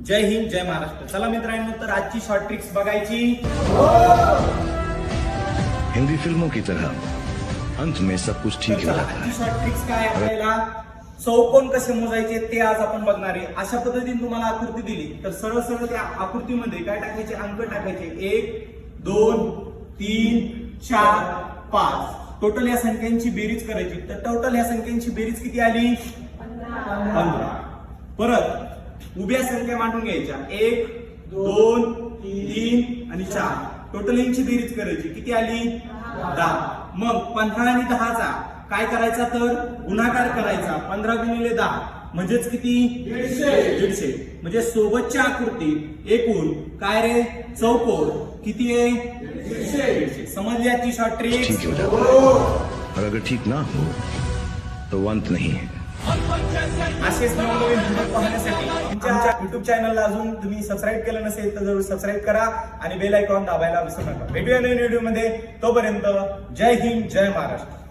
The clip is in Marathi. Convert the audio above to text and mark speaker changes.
Speaker 1: जय हिंद जय महाराष्ट्र। चला मित्रांनो, तर आजची शॉर्ट ट्रिक्स बघायची।
Speaker 2: हिंदी फिल्मों की तरह अंत में सब कुछ ठीक हो जाता है।
Speaker 1: आजची शॉर्ट ट्रिक्स काय आपल्याला चौकोन कसे मोजायचे ते आज आपण बघणार आहे। अशा पद्धतीने तुम्हाला आकृती दिली तर सरळ सरळ त्या आकृतीमध्ये काय टाकायचे, अंक टाकायचे 1 2 3 4 5। टोटल या संख्यांची बेरीज करायची। तर टोटल या संख्यांची बेरीज किती आली? 15। परत उभ्या संख्या मांडून घ्यायच्या 1 2 3 आणि 4। टोटल यांची बेरीज करायची, किती आली? 10। मग 15 आणि 10 चा काय करायचा, तर गुणाकार करायचा। 15 गुणिले 10 म्हणजेच किती? 150। म्हणजे सोबतच्या आकृतीत एकूण काय रे, चौकोन किती आहे? 150। समजली आजची शॉर्ट ट्रिक?
Speaker 2: ठीक हो जाता है और अगर ठीक ना हो तो अंत नहीं है।
Speaker 1: असेच नवनवीन व्हिडिओ पाहण्यासाठी आमच्या युट्यूब चॅनलला अजून तुम्ही सबस्क्राईब केलं नसेल तर जरूर सबस्क्राईब करा आणि बेल आयकॉन दाबायला विसरू नका। भेटूया नवीन व्हिडिओ मध्ये, तोपर्यंत जय हिंद जय महाराष्ट्र।